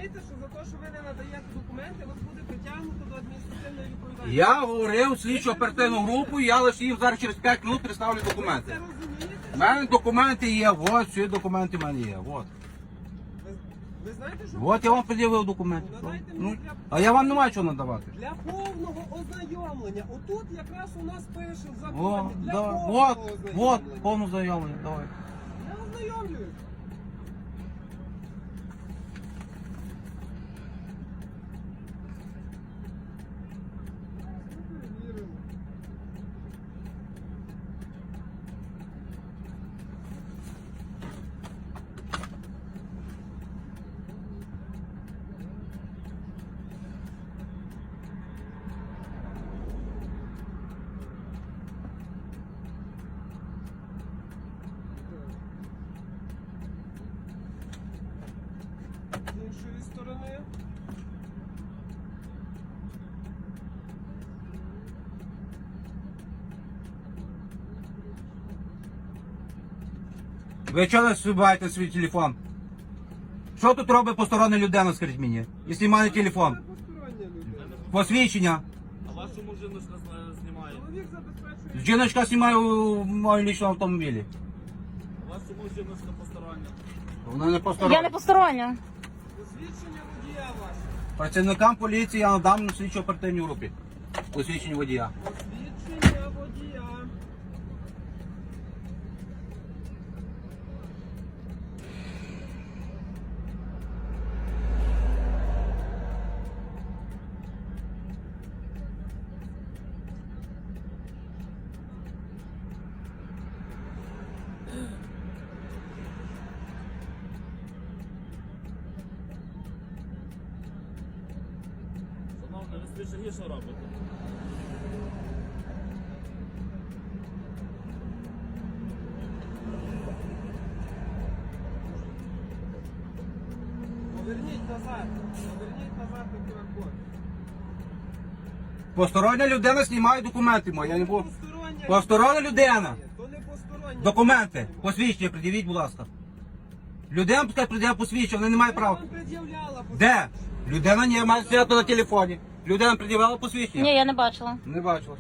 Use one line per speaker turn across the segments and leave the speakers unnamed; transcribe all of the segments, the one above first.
розумієте, що за те, що ви не надаєте документи, вас буде притягнуто до адміністративної відповідальності?
Я говорив слідчу оперативну групу, я лише їм зараз через 5 хвилин представлю
Це
документи.
розумієте?
У мене документи є, от, всі документи в мене є, от.
Ви знаєте, що
От я вам пред'явив документи.
Ну, надайте
Ну,
мені для...
а я вам не маю чого надавати.
Для повного ознайомлення. Отут якраз у нас пише в
О,
законі. Для
да,
повного
от,
ознайомлення.
повну заявлення, давай.
Я ознайомлююсь. Перевіримо. З іншої сторони.
Ви чого не збиваєте свій телефон? Що тут робить постороння людина, скажіть мені? І знімає телефон.
Це постороння людина.
Посвідчення.
А вашу жіночка знімає.
Чоловік забезпечує.
Жіночка знімає у моєму лічному автомобілі.
А вашу жіночка постороння.
Вона не
Я
постороння.
не постороння.
Посвідчення водія ваше.
Працівникам поліції я надам на слідчо оперативній групі. Посвідчення водія.
Посвідчення водія.
Шановний, ви більше гірше робите.
Поверніть назад. Поверніть назад на QR-код.
Постороння людина знімає документи мої. Я не буду.
Постороння.
Постороння людина.
То не постороння.
Документи. Посвідчення пред'явіть, будь ласка. Людина пускай пред'являє посвідчення, вона не має права.
Вам пред'являла
Де? Людина не має стояти на телефоні. Людина пред'являла посвідчення?
Ні, я не бачила.
Не бачила.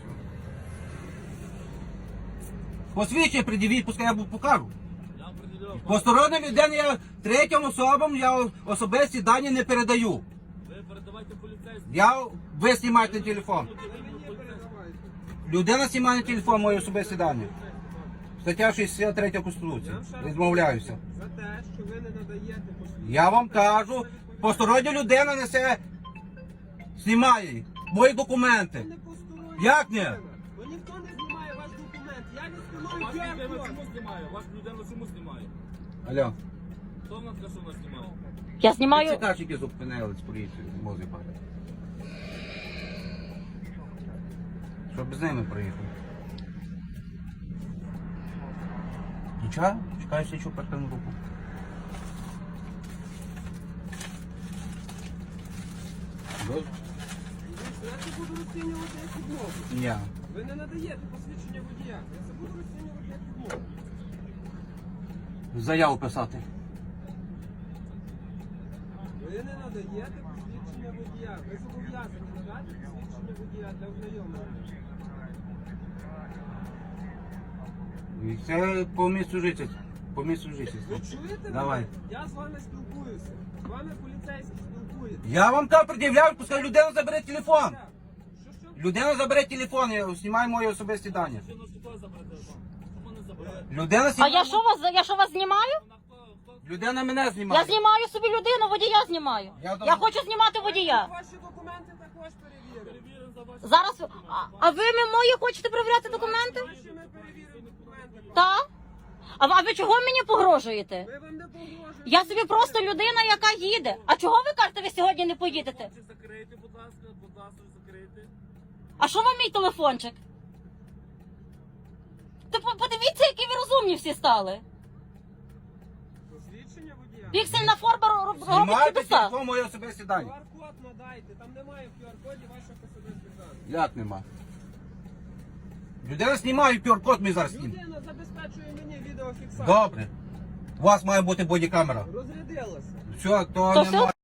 Посвідчення пред'явіть, пускай я покажу.
Я вам приділяв.
Постороння людина, я третім особам я особисті дані не передаю.
Ви передавайте поліцейським.
Ви знімаєте на телефон.
Ви мені передавайте.
Людина знімає на телефон мої особисті дані. Стаття 63 Конституції. Відмовляюся.
За те, що ви не надаєте посвідчення.
Я вам кажу, постороння людина несе, знімає мої
Ви
документи.
не постороння.
Як ні?
людина. Бо ніхто не знімає ваш документ. Я не встановлюю
Вас людина
QR-код.
чому знімає? Вас людина чому знімає?
Алло.
Хто в нас каже, що вона знімає?
Я знімаю.
Цікавчики зупинили з поліцією, мозги падає. Щоб з ними проїхав. Нічого, чекаю слідчу оперативну групу.
Дивіться, я це буду розцінювати як відмову.
Ні.
Ви не надаєте посвідчення водія. Я це буду розцінювати як відмову.
Заяву писати.
Ви не надаєте посвідчення водія. Ви зобов'язані надати посвідчення водія для ознайомлення.
І це по місцю жительства. По місцю жительства.
Ви чуєте
Давай.
мене? Я з вами спілкуюся. З вами поліцейський спілкується.
Я вам там пред'являю, пускай людина забере телефон.
Що?
Людина забере телефон, я знімаю мої особисті дані.
Жіночку хто забере телефон? Чому не забирає?
Людина
А
знімає.
я що вас знімаю?
Вона хто?
Людина мене знімає.
Я знімаю собі людину, водія знімаю. Я хочу знімати водія.
Ваші документи також перевіримо.
Перевіримо за ваші.
Зараз. А ви мої хочете перевіряти документи?
Ваші ми перевіримо документи.
Так. А ви чого мені погрожуєте?
Ми вам не погрожуємо.
Я собі просто людина, яка їде. А чого ви кажете, ви сьогодні не поїдете?
Хлопці, закрийте, будь ласка, закрийте.
А що вам мій телефончик? Та подивіться, які ви розумні всі стали.
Посвідчення водія.
Піксельна форма робить
Знімайте
чудеса.
телефон мої особисті дані.
QR-код надайте. Там немає в QR-коді ваших особистих даних.
Як нема? Людина знімає QR-код, ми зараз знімемо.
Людина забезпечує мені відеофіксацію.
Добре. У вас має бути бодікамера.
Розрядилася.
Все, то
То все?
немає.